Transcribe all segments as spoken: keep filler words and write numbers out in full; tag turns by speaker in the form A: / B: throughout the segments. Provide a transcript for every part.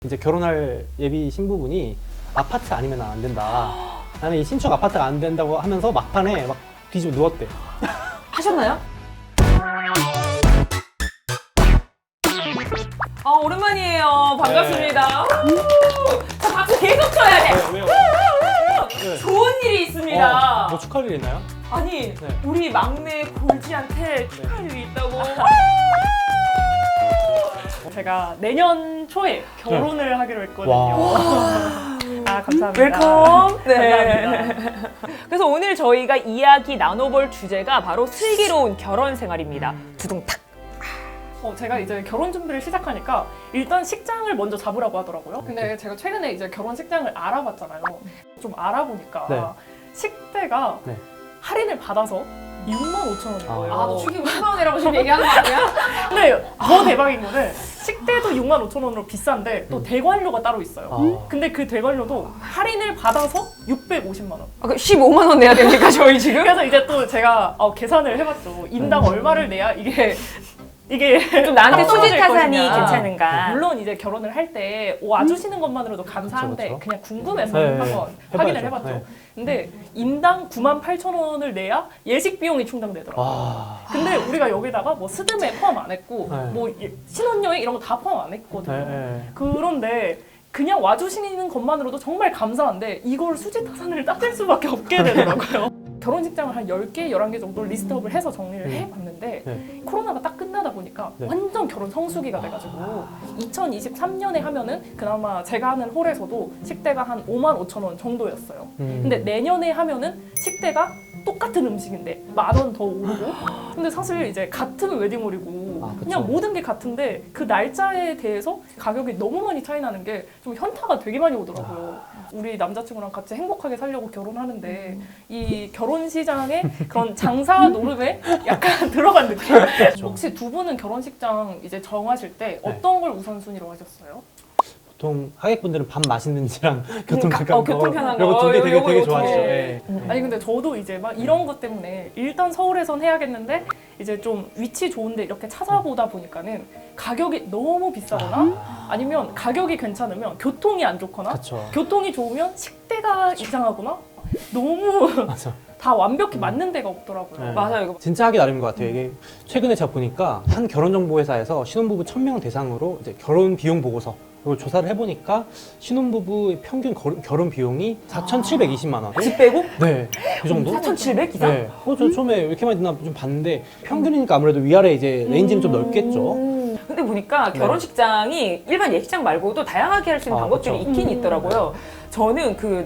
A: 이제 결혼할 예비 신부분이 아파트 아니면 안 된다. 나는 이 신축 아파트가 안 된다고 하면서 막판에 막 뒤집어 누웠대.
B: 하셨나요? 아 오랜만이에요. 반갑습니다. 자 박수 계속 쳐야 돼.
A: 왜요? 네.
B: 좋은 일이 있습니다.
A: 어, 뭐 축하할 일 있나요?
B: 아니
A: 네.
B: 우리 막내 골지한테 축하할 일이 있다고.
C: 제가 내년 초에 결혼을 하기로 했거든요.
A: 와.
C: 아 감사합니다.
B: 웰컴. 네.
C: 감사합니다.
B: 그래서 오늘 저희가 이야기 나눠볼 주제가 바로 슬기로운 결혼 생활입니다. 두둥탁.
C: 어, 제가 이제 결혼 준비를 시작하니까 일단 식장을 먼저 잡으라고 하더라고요. 근데 제가 최근에 이제 결혼 식장을 알아봤잖아요. 좀 알아보니까
A: 네.
C: 식대가
A: 네.
C: 할인을 받아서 육만 오천 원인 거예요.
B: 아, 너 축의금 십만 원이라고 지금 얘기하는 거 아니야?
C: 근데 더 대박인 거는 식대도 육만 오천 원으로 비싼데 또 대관료가 따로 있어요.
A: 아.
C: 근데 그 대관료도 할인을 받아서 육백오십만 원.
B: 아, 그 십오만 원 내야 됩니까 저희 지금?
C: 그래서 이제 또 제가 어, 계산을 해봤죠. 인당 얼마를 내야 이게 이게
B: 좀 나한테
C: 떨어질
B: 수지 타산이
C: 것이냐.
B: 괜찮은가?
C: 물론 이제 결혼을 할 때 와주시는 것만으로도 감사한데
A: 그쵸, 그쵸.
C: 그냥 궁금해서
A: 네,
C: 한번
A: 해봐야죠.
C: 확인을 해봤죠.
A: 네.
C: 근데 인당 구만 팔천 원을 내야 예식 비용이 충당되더라고요.
A: 와.
C: 근데 우리가 여기다가 뭐 스드메 포함 안 했고
A: 네.
C: 뭐 예- 신혼여행 이런 거 다 포함 안 했거든요.
A: 네, 네.
C: 그런데 그냥 와주시는 것만으로도 정말 감사한데 이걸 수지 타산을 따질 수밖에 없게 되더라고요. 결혼식장을 한 열 개, 열한 개 정도 리스트업을 해서 정리를
A: 네.
C: 해봤는데
A: 네.
C: 코로나가 딱 끝나다 보니까
A: 네.
C: 완전 결혼 성수기가 돼가지고 이천이십삼 년에 하면은 그나마 제가 하는 홀에서도 식대가 한 오만 오천 원 정도였어요.
A: 음.
C: 근데 내년에 하면은 식대가 똑같은 음식인데 만 원 더 오르고 근데 사실 이제 같은 웨딩홀이고
A: 아, 그쵸.
C: 그냥 모든 게 같은데 그 날짜에 대해서 가격이 너무 많이 차이 나는 게 좀 현타가 되게 많이 오더라고요. 우리 남자친구랑 같이 행복하게 살려고 결혼하는데 이 결혼 시장에 그런 장사 노름에 약간 들어간 느낌. 혹시 두 분은 결혼식장 이제 정하실 때 어떤 걸 우선순위로 하셨어요?
A: 보통 하객분들은 밥 맛있는지랑 교통
B: 가-
A: 가까운
B: 어, 교통 편한
A: 이거
B: 거.
A: 두 개 되게
B: 요거,
A: 되게
B: 요거
A: 좋아하시죠.
B: 두 개.
A: 네. 네.
C: 아니 근데 저도 이제 막 이런 것 때문에 일단 서울에선 해야겠는데 이제 좀 위치 좋은데 이렇게 찾아보다 보니까는 가격이 너무 비싸거나 아니면 가격이 괜찮으면 교통이 안 좋거나
A: 그쵸.
C: 교통이 좋으면 식대가 이상하거나 너무
A: 맞아.
C: 다 완벽히 맞는 데가 없더라고요.
A: 네.
B: 맞아요 이거.
A: 진짜 하기 나름인 것 같아요. 이게 최근에 제가 보니까 한 결혼정보회사에서 신혼부부 천 명 대상으로 이제 결혼 비용 보고서 이걸 조사를 해보니까 신혼부부의 평균 결혼, 결혼 비용이 사천칠백이십만 원.
B: 집 빼고?
A: 네, 그 정도?
B: 사천칠백 이상?
A: 네. 어, 저 처음에 왜 이렇게 많이 듣나 좀 봤는데 평균이니까 아무래도 위아래 이제 레인지는 좀 넓겠죠.
B: 음. 근데 보니까
A: 네.
B: 결혼식장이 일반 예식장 말고도 다양하게 할 수 있는
A: 아,
B: 방법들이
A: 그쵸.
B: 있긴
C: 음.
B: 있더라고요. 저는 그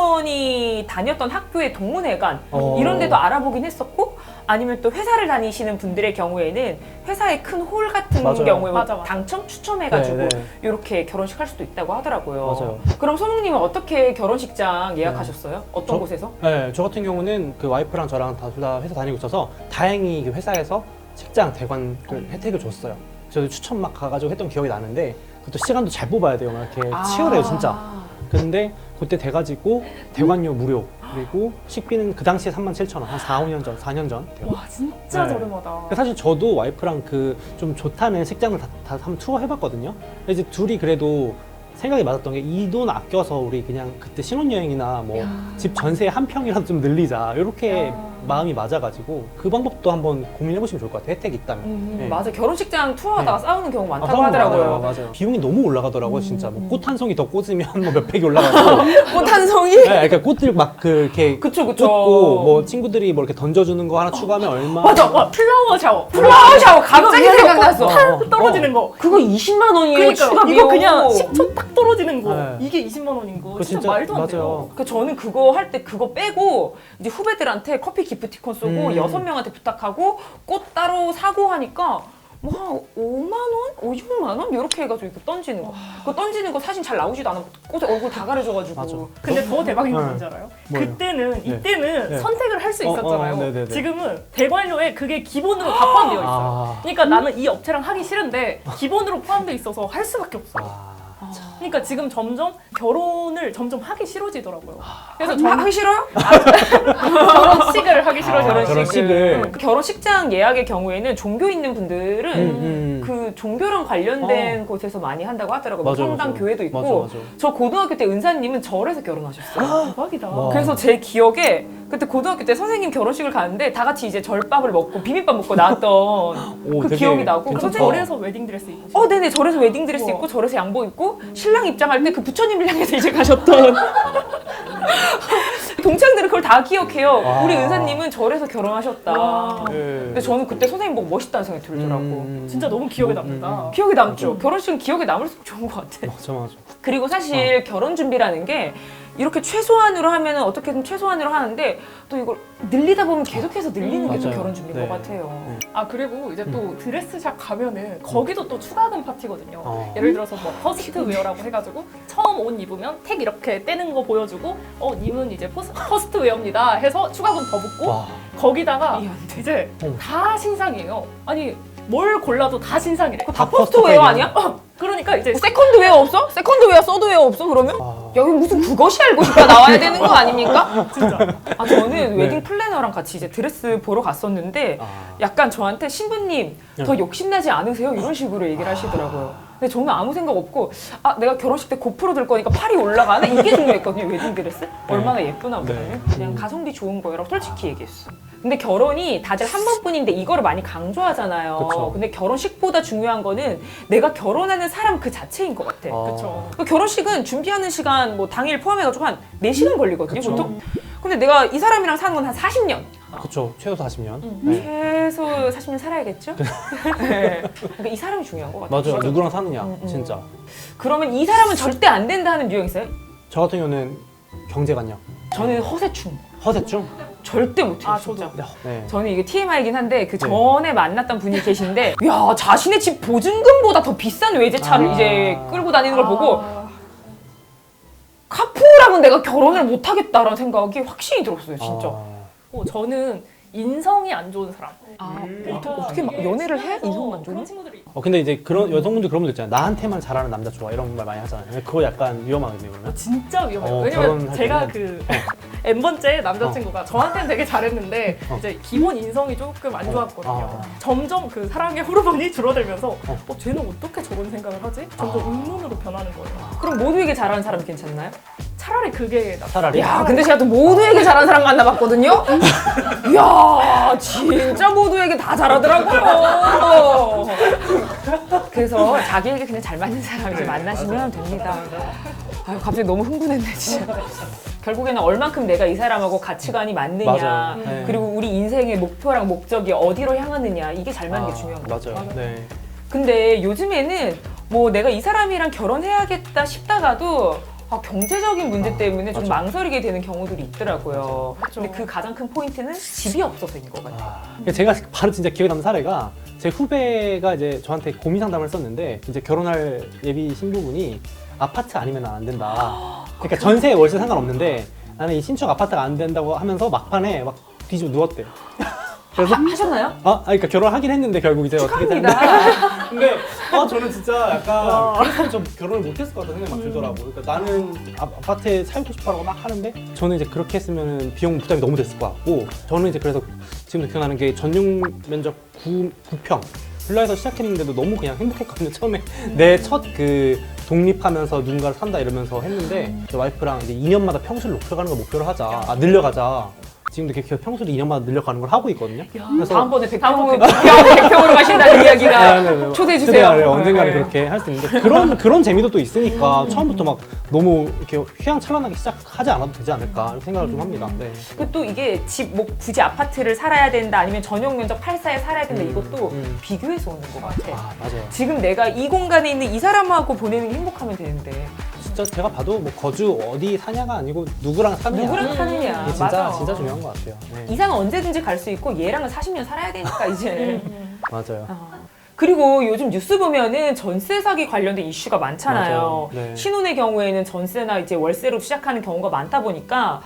B: 남편이 다녔던 학교의 동문회관
A: 어.
B: 이런 데도 알아보긴 했었고 아니면 또 회사를 다니시는 분들의 경우에는 회사의 큰 홀 같은
A: 맞아요.
B: 경우에 뭐
C: 맞아, 맞아.
B: 당첨 추첨해가지고
A: 네, 네.
B: 이렇게 결혼식 할 수도 있다고 하더라고요.
A: 맞아요.
B: 그럼 소몽님은 어떻게 결혼식장 예약하셨어요? 어떤
A: 저-
B: 곳에서?
A: 네, 저 같은 경우는 그 와이프랑 저랑 다 둘 다 회사 다니고 있어서 다행히 그 회사에서 식장 대관 그 혜택을 줬어요. 저도 추천 막 가가지고 했던 기억이 나는데 그것도 시간도 잘 뽑아야 돼요. 막 이렇게 치열해요, 진짜. 근데 그때 돼가지고 대관료 무료 그리고 식비는 그 당시에 삼만 칠천 원, 한 사, 오 년 전, 사 년 전. 돼요.
C: 와 진짜
A: 네.
C: 저렴하다.
A: 사실 저도 와이프랑 그 좀 좋다는 식장을 다, 다 한번 투어 해봤거든요. 근데 이제 둘이 그래도 생각이 맞았던 게 이 돈 아껴서 우리 그냥 그때 신혼여행이나 뭐 집 전세 한 평이라도 좀 늘리자 이렇게
C: 야.
A: 마음이 맞아가지고 그 방법도 한번 고민해보시면 좋을 것 같아요. 혜택이 있다면.
B: 음,
A: 네.
B: 맞아 결혼식장 투어하다가
A: 네.
B: 싸우는 경우 많다고
A: 싸우는 거
B: 하더라고요.
A: 맞아요, 맞아요. 비용이 너무 올라가더라고요, 진짜.
B: 음.
A: 뭐 꽃 한 송이 더 꽂으면 뭐 몇백이 올라가고.
B: 꽃 한 송이?
A: 네, 그러니까 꽃들 막 그 이렇게
B: 그쵸 그쵸.
A: 꽂고 뭐 친구들이 뭐 이렇게 던져주는 거 하나 추가하면 얼마?
C: 맞아, 와 플라워 샤워.
B: 플라워 샤워 갑자기
C: 이거
B: 생각났어.
A: 어, 어.
C: 떨어지는 거.
B: 그거 이십만 원이에요.
C: 그러니까
B: 추가
C: 이거
B: 비용.
C: 그냥 십 초 딱 떨어지는 거.
A: 네.
C: 이게 이십만 원인 거.
A: 그거
C: 진짜,
A: 진짜
C: 말도 안
A: 맞아요.
C: 돼요.
B: 그 저는 그거 할 때 그거 빼고 이제 후배들한테 커피 기프티콘 쏘고
A: 음.
B: 여섯 명한테 부탁하고 꽃 따로 사고 하니까 뭐 한 오만 원? 오십만 원? 이렇게 해가지고 이렇게 던지는 거. 그거 던지는 거 사진 잘 나오지도 않아. 꽃에 얼굴 다 가려져가지고.
A: 맞아.
C: 근데 더 대박인 건
A: 네.
C: 뭔지 알아요?
A: 뭐예요?
C: 그때는
A: 네.
C: 이때는
A: 네.
C: 선택을 할 수
A: 어,
C: 있었잖아요.
A: 어, 네네네.
C: 지금은 대관료에 그게 기본으로 다 포함되어 있어요.
A: 아.
C: 그러니까 나는 이 업체랑 하기 싫은데 기본으로 포함되어 있어서 할 수밖에 없어요.
A: 아.
B: 아.
C: 그러니까 지금 점점 결혼을 점점 하기 싫어지더라고요. 그래서
B: 하, 하기 싫어요?
C: 결혼식을 하기 싫어져요.
A: 아, 결혼식을.
B: 그 결혼식장 예약의 경우에는 종교 있는 분들은
A: 음, 음.
B: 그 종교랑 관련된 곳에서 많이 한다고 하더라고요. 뭐
A: 맞아,
B: 성당
A: 맞아.
B: 교회도 있고.
A: 맞아, 맞아.
B: 저 고등학교 때 은사님은 절에서 결혼하셨어요.
C: 대박이다.
A: 와.
B: 그래서 제 기억에 그때 고등학교 때 선생님 결혼식을 가는데 다 같이 이제 절밥을 먹고 비빔밥 먹고 나왔던
A: 오,
B: 그
A: 되게
B: 기억이 나고.
A: 괜찮다.
B: 선생님
C: 절에서 웨딩드레스 입으시고.
B: 어, 네네. 절에서 웨딩드레스
C: 우와.
B: 입고 절에서 양복 입고 신랑 입장할 때 그 부처님을 향해서 이제 가셨던 동창들은 그걸 다 기억해요.
A: 와.
B: 우리 은사님은 절에서 결혼하셨다.
C: 와.
A: 네.
B: 근데 저는 그때 선생님 보고 멋있다는 생각이 들더라고.
A: 음.
C: 진짜 너무 기억에
A: 음,
C: 남는다.
A: 음.
B: 기억에 남죠. 결혼식은 기억에 남을수록 좋은 것 같아.
A: 맞아, 맞아.
B: 그리고 사실 결혼 준비라는 게 이렇게 최소한으로 하면은 어떻게든 최소한으로 하는데 또 이걸 늘리다 보면 계속해서 늘리는
C: 음,
B: 게 좀
A: 맞아요.
B: 결혼 준비인
A: 네.
B: 것 같아요.
C: 아 그리고 이제 또 드레스샵 가면은 거기도 또 추가금 파티거든요.
A: 어.
C: 예를 들어서 뭐 퍼스트 웨어라고 해가지고 처음 옷 입으면 택 이렇게 떼는 거 보여주고 어 님은 이제 포스, 퍼스트 웨어입니다 해서 추가금 더 붙고
A: 와.
C: 거기다가
B: 이해 안 돼.
C: 이제
A: 어.
C: 다 신상이에요. 아니 뭘 골라도 다 신상이래.
B: 그거 다
A: 다
B: 퍼스트
A: 퍼스트
B: 웨어
A: 웨어.
B: 아니야? 어,
C: 그러니까 이제
B: 세컨드 웨어 없어? 세컨드 웨어, 서드 웨어 없어 그러면?
A: 아.
B: 여기 무슨 그것이 알고 싶다 나와야 되는 거 아닙니까?
C: 진짜
B: 아 저는
A: 네.
B: 웨딩 플래너랑 같이 이제 드레스 보러 갔었는데
A: 아.
B: 약간 저한테 신부님 더 욕심나지 않으세요? 이런 식으로 얘기를 하시더라고요. 근데 저는 아무 생각 없고 아 내가 결혼식 때 고프로 들 거니까 팔이 올라가나? 이게 중요했거든요. 웨딩 드레스? 얼마나 예쁘나 보다는
A: 네.
B: 그냥
A: 음.
B: 가성비 좋은 거라고 솔직히 얘기했어. 근데 결혼이 다들 한 번뿐인데 이거를 많이 강조하잖아요.
A: 그쵸.
B: 근데 결혼식보다 중요한 거는 내가 결혼하는 사람 그 자체인 것 같아.
A: 아.
C: 그쵸.
B: 그 결혼식은 준비하는 시간 뭐 당일 포함해가지고 한 네 시간 걸리거든요
A: 그쵸.
B: 보통. 근데 내가 이 사람이랑 사는 건 한 사십 년.
A: 그쵸. 최소 사십 년.
C: 음.
A: 네.
B: 최소 사십 년 살아야겠죠? 네. 그러니까 이 사람이 중요한 것 같아요.
A: 맞아요. 누구랑 사느냐,
B: 음, 음.
A: 진짜.
B: 그러면 이 사람은 절대 안 된다 하는 유형 있어요?
A: 저 같은 경우는 경제관념.
B: 저는 허세충.
A: 허세증?
B: 절대 못해요
C: 아,
B: 진짜.
A: 네.
B: 저는 이게 티엠아이긴 한데 그
A: 네.
B: 전에 만났던 분이 계신데 야 자신의 집 보증금보다 더 비싼 외제차를
A: 아.
B: 이제 끌고 다니는 걸 보고
C: 아,
B: 카푸라면 내가 결혼을 못하겠다라는 생각이 확신이 들었어요 진짜.
A: 아.
C: 어, 저는 인성이 안 좋은 사람.
B: 아,
A: 음.
B: 어떻게, 어떻게 막 연애를 해?
C: 어,
B: 이성만
C: 그런
B: 좋은?
C: 친구들이 있고.
A: 어 근데 이제 그런 여성분들 그런 분들 있잖아요. 나한테만 잘하는 남자 좋아 이런 말 많이 하잖아요. 그거 약간 위험하거든요. 그러면.
C: 진짜 위험해요.
A: 어,
C: 왜냐면
A: 결혼할
C: 제가
A: 때는.
C: 그 N번째 남자친구가 저한테는 되게 잘했는데
A: 어.
C: 이제 기본 인성이 조금 안 좋았거든요.
A: 아.
C: 점점 그 사랑의 호르몬이 줄어들면서
A: 어.
C: 어, 쟤는 어떻게 저런 생각을 하지? 점점
A: 아.
C: 의문으로 변하는 거예요.
B: 그럼 모두에게 잘하는 사람 괜찮나요?
C: 차라리 그게 나.
A: 차라리.
B: 야, 근데 제가 또 모두에게 잘하는 사람 만나봤거든요? 이야, 진짜 모두에게 다 잘하더라고요. 그래서 자기에게 그냥 잘 맞는 사람 이제 만나시면 됩니다. 아유, 갑자기 너무 흥분했네, 진짜. 결국에는 얼만큼 내가 이 사람하고 가치관이 맞느냐,
A: 맞아요. 네.
B: 그리고 우리 인생의 목표랑 목적이 어디로 향하느냐, 이게 잘 맞는 게 중요한 거 같아요.
A: 맞아요. 네.
B: 근데 요즘에는 뭐 내가 이 사람이랑 결혼해야겠다 싶다가도 아, 경제적인 문제 때문에 좀
A: 맞아.
B: 망설이게 되는 경우들이 있더라고요.
C: 맞아.
B: 근데 그 가장 큰 포인트는 집이 없어서인 것 같아요.
A: 아, 제가 바로 진짜 기억에 남는 사례가 제 후배가 이제 저한테 고민 상담을 했었는데 이제 결혼할 예비 신부분이 아파트 아니면 안 된다. 그러니까 전세 월세 상관없는데 나는 이 신축 아파트가 안 된다고 하면서 막판에 막 뒤집어 누웠대. 그래서
B: 하, 하셨나요?
A: 아, 아, 그러니까 결혼하긴 했는데 결국 이제 어떻게 됐는데.
B: 축하합니다.
A: 근데 아 저는 진짜 약간 그래서 좀 결혼을 못했을 것 같다는 생각이 막 들더라고. 그러니까 나는 아, 아파트에 살고 싶어라고 막 하는데 저는 이제 그렇게 했으면 비용 부담이 너무 됐을 것 같고 저는 이제 그래서 지금도 기억나는 게 전용 면적 구 평 빌라에서 시작했는데도 너무 그냥 행복했거든요. 처음에 내 첫 그 독립하면서 누군가를 산다 이러면서 했는데 저 와이프랑 이제 이 년마다 평수를 높여가는 걸 목표로 하자. 아 늘려가자. 지금도 이렇게 평수를 이 년마다 늘려가는 걸 하고 있거든요. 그래서
B: 다음번에 백 평으로, 백 평으로 가신다는 이야기가
A: 네, 네, 네.
B: 초대해 주세요.
A: 초대를 언젠가는
B: 네.
A: 그렇게 할 수 있는데 그런 그런 재미도 또 있으니까 처음부터 막 너무 이렇게 휘황찬란하게 시작하지 않아도 되지 않을까 이렇게 생각을 좀 합니다. 네.
B: 그 또 이게 집, 뭐 굳이 아파트를 살아야 된다 아니면 전용 면적 팔사에 살아야 된다
A: 음,
B: 이것도
A: 음.
B: 비교해서 오는 것 같아.
A: 아 맞아요.
B: 지금 내가 이 공간에 있는 이 사람하고 보내는 게 행복하면 되는데
A: 진짜 제가 봐도 뭐 거주 어디 사냐가 아니고 누구랑 사느냐.
B: 누구랑 사느냐.
A: 이게 진짜
B: 맞아.
A: 진짜 중요한 것 같아요. 네.
B: 이사는 언제든지 갈 수 있고 얘랑은 사십 년 살아야 되니까 이제.
A: 맞아요.
B: 어. 그리고 요즘 뉴스 보면은 전세 사기 관련된 이슈가 많잖아요.
A: 맞아요. 네.
B: 신혼의 경우에는 전세나 이제 월세로 시작하는 경우가 많다 보니까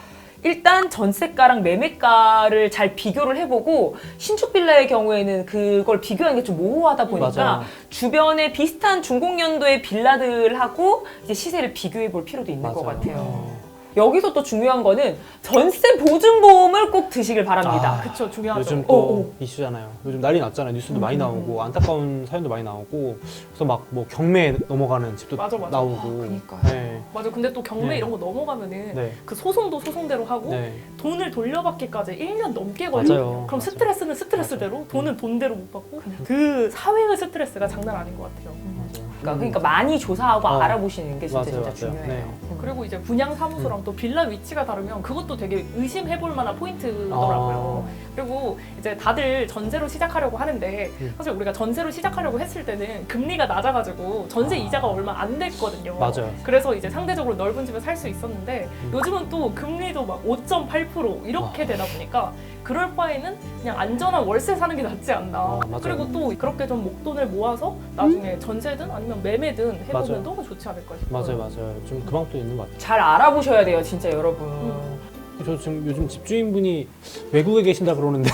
B: 일단 전세가랑 매매가를 잘 비교를 해보고 신축 빌라의 경우에는 그걸 비교하는 게 좀 모호하다 보니까
A: 맞아요.
B: 주변에 비슷한 중공년도의 빌라들하고 이제 시세를 비교해 볼 필요도 있는
A: 맞아요.
B: 것 같아요.
A: 어.
B: 여기서 또 중요한 거는 전세 보증보험을 꼭 드시길 바랍니다.
A: 아,
C: 그쵸, 중요하죠.
A: 요즘
B: 어,
A: 또
B: 어.
A: 이슈잖아요. 요즘 난리 났잖아요. 뉴스도
C: 음,
A: 많이
C: 음,
A: 나오고 안타까운 사연도 많이 나오고 그래서 막 뭐 경매에 넘어가는 집도
C: 맞아, 맞아.
A: 나오고.
B: 아, 그러니까요.
A: 네.
C: 맞아. 근데 또 경매
A: 네.
C: 이런 거 넘어가면은
A: 네.
C: 그 소송도 소송대로 하고
A: 네.
C: 돈을 돌려받기까지 일 년 넘게 걸려요.
A: 맞아요.
C: 그럼
A: 맞아요.
C: 스트레스는 스트레스대로 돈은 돈대로 못 받고 그 사회의 스트레스가 장난 아닌 것 같아요.
A: 맞아요.
B: 그러니까, 그러니까 많이 조사하고
A: 어.
B: 알아보시는 게 진짜
A: 맞아요,
B: 진짜
A: 맞아요.
B: 중요해요.
A: 네.
B: 음.
C: 그리고 이제 분양 사무소랑 또 빌라 위치가 다르면 그것도 되게 의심해볼 만한 포인트더라고요.
A: 아.
C: 그리고 이제 다들 전세로 시작하려고 하는데
A: 음.
C: 사실 우리가 전세로 시작하려고 했을 때는 금리가 낮아가지고 전세
A: 아.
C: 이자가 얼마 안 됐거든요.
A: 맞아요.
C: 그래서 이제 상대적으로 넓은 집에 살 수 있었는데
A: 음.
C: 요즘은 또 금리도 막 오 점 팔 퍼센트 이렇게
A: 아.
C: 되다 보니까 그럴 바에는 그냥 안전한 월세 사는 게 낫지 않나.
A: 아, 맞아요.
C: 그리고 또 그렇게 좀 목돈을 모아서 나중에 전세든 아니면 매매든 해보면
A: 맞아요.
C: 너무 좋지 않을까 싶어요.
A: 맞아요, 맞아요. 좀 그 방법도 있는 것 같아요.
B: 잘 알아보셔야 돼요, 진짜 여러분.
C: 음.
A: 저 지금 요즘 집주인분이 외국에 계신다 그러는데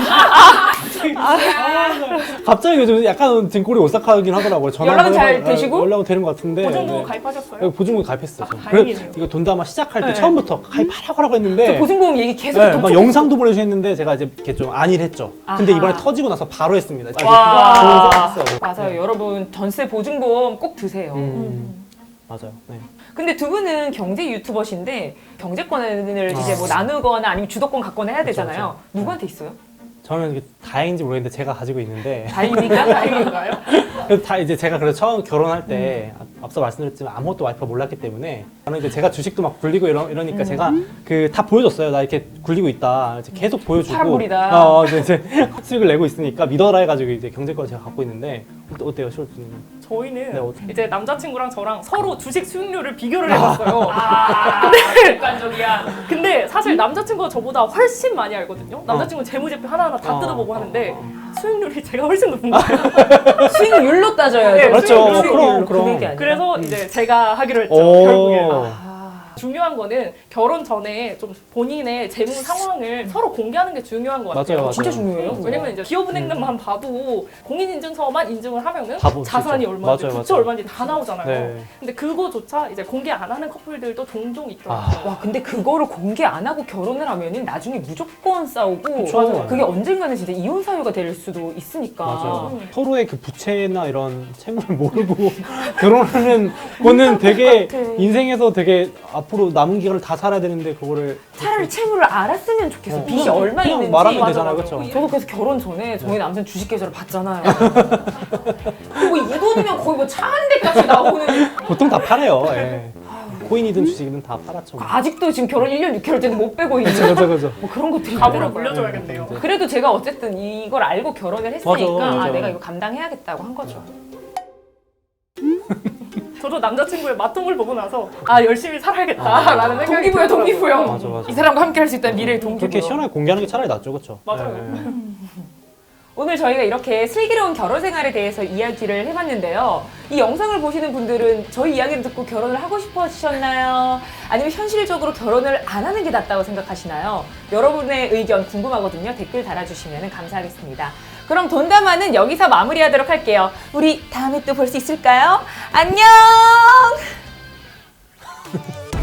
A: 갑자기 요즘 약간 등골이 오싹하긴 하더라고요. 전화
B: 연락은
A: 한번
B: 잘
A: 해봐-
B: 되시고?
A: 연락은 되는 것 같은데.
C: 보증금
A: 네.
C: 가입하셨어요?
A: 네, 보증금 가입했어요.
C: 아,
A: 저.
C: 다행이네요.
A: 그래, 이거 돈담화 시작할 때
B: 네.
A: 처음부터 가입하라고 하라고 했는데
B: 저 보증보험 얘기 계속
A: 네,
B: 톡톡
A: 막 영상도 보내주셨는데 제가 이제 이렇게 좀 안일 했죠. 근데
B: 아하.
A: 이번에 터지고 나서 바로 했습니다. 아,
B: 와.
A: 좋은 생각했어요.
B: 맞아요.
A: 네.
B: 여러분 전세 보증보험 꼭 드세요.
A: 음,
C: 음.
A: 맞아요. 네.
B: 근데 두 분은 경제 유튜버신데 경제권을
A: 아.
B: 이제 뭐 나누거나 아니면 주도권 갖거나 해야
A: 그쵸,
B: 되잖아요.
A: 그쵸.
B: 누구한테 있어요?
A: 저는 이게 다행인지 모르겠는데 제가 가지고 있는데
B: 다행입니까? 다행인가요?
A: 그래서 다 이제 제가 그래서 처음 결혼할 때
B: 음.
A: 앞- 앞서 말씀드렸지만 아무것도 와이프가 몰랐기 때문에 저는 이제 제가 주식도 막 굴리고 이러, 이러니까
B: 음.
A: 제가 그 다 보여줬어요. 나 이렇게 굴리고 있다. 이제 계속 보여주고
B: 파란불이다.
A: 어, 이제, 이제 수익을 내고 있으니까 믿어라 해가지고 이제 경제권 제가 갖고 있는데 어때- 어때요, 시월주님?
C: 저희는
A: 네, 어-
C: 이제 남자친구랑 저랑 서로 주식 수익률을 비교를 해봤어요.
B: 아, 객관적이야.
C: 근데 사실 남자친구가 저보다 훨씬 많이 알거든요. 남자친구는 재무제표 하나하나 다
A: 어.
C: 뜯어보고 하는데
A: 어.
C: 수익률이 제가 훨씬 높은 거예요.
B: 수익률로 따져야죠.
C: 네,
A: 그렇죠.
B: 수익률로.
A: 그럼, 그럼.
B: 금액이 아니라.
C: 그래서 이제 제가 하기로 했죠.
A: 오.
C: 결국에.
B: 아.
C: 중요한 거는 결혼 전에 좀 본인의 재무 상황을 서로 공개하는 게 중요한 것 같아요.
A: 맞아요, 맞아요.
B: 진짜 중요해요.
C: 왜냐면 이제 기업은행만 봐도 공인인증서만 인증을 하면은
A: 다 보죠.
C: 자산이 얼마인지
A: 맞아요,
C: 부채
A: 맞아요.
C: 얼마인지 다 나오잖아요.
A: 네.
C: 근데 그거조차 이제 공개 안 하는 커플들도 종종 있더라고요.
A: 아.
B: 와 근데 그거를 공개 안 하고 결혼을 하면은 나중에 무조건 싸우고
A: 그쵸. 맞아요.
B: 그게 언젠가는 진짜 이혼 사유가 될 수도 있으니까.
A: 맞아요.
C: 음.
A: 서로의 그 부채나 이런 채무를 모르고 결혼하는 거는 되게
B: 똑같아.
A: 인생에서 되게 앞으로 남은 기간을 다 살아야 되는데 그거를
B: 차라리 채무를 알았으면 좋겠어.
A: 어,
B: 빚이
A: 그냥-
B: 얼마
A: 그냥
B: 있는지.
A: 말하면
C: 맞아,
A: 되잖아요,
C: 맞아.
A: 그렇죠?
B: 저도 그래서 결혼 전에 저희 남편 주식 계좌를 봤잖아요. 그리고 이 돈이면 거의 뭐 차 한 대값이 나오는.
A: 보통 다 팔아요. 예. 코인이든 주식이든 다 팔았죠.
B: 아직도 지금 결혼 일 년 육 개월 때는 못 빼고 있는.
A: 그죠, 그죠, 그죠.
B: 뭐 그런 것들이
C: 가구를
B: 있더라고요.
C: 물려줘야겠네요.
A: 네.
B: 그래도 제가 어쨌든 이걸 알고 결혼을 했으니까
A: 맞아, 맞아.
B: 아, 내가 이거 감당해야겠다고 한 거죠.
C: 저도 남자친구의 마통을 보고 나서 아 열심히 살아야겠다라는 생각이
B: 동기부여,
C: 들더라고요.
B: 동기부여.
A: 맞아, 맞아.
B: 이 사람과 함께 할 수 있다는 미래의 동기부여.
A: 그렇게 시원하게 공개하는 게 차라리 낫죠, 그렇죠?
C: 맞아요.
B: 오늘 저희가 이렇게 슬기로운 결혼 생활에 대해서 이야기를 해봤는데요. 이 영상을 보시는 분들은 저희 이야기를 듣고 결혼을 하고 싶으셨나요? 아니면 현실적으로 결혼을 안 하는 게 낫다고 생각하시나요? 여러분의 의견 궁금하거든요. 댓글 달아주시면 감사하겠습니다. 그럼 돈담화는 여기서 마무리하도록 할게요. 우리 다음에 또 볼 수 있을까요? 안녕!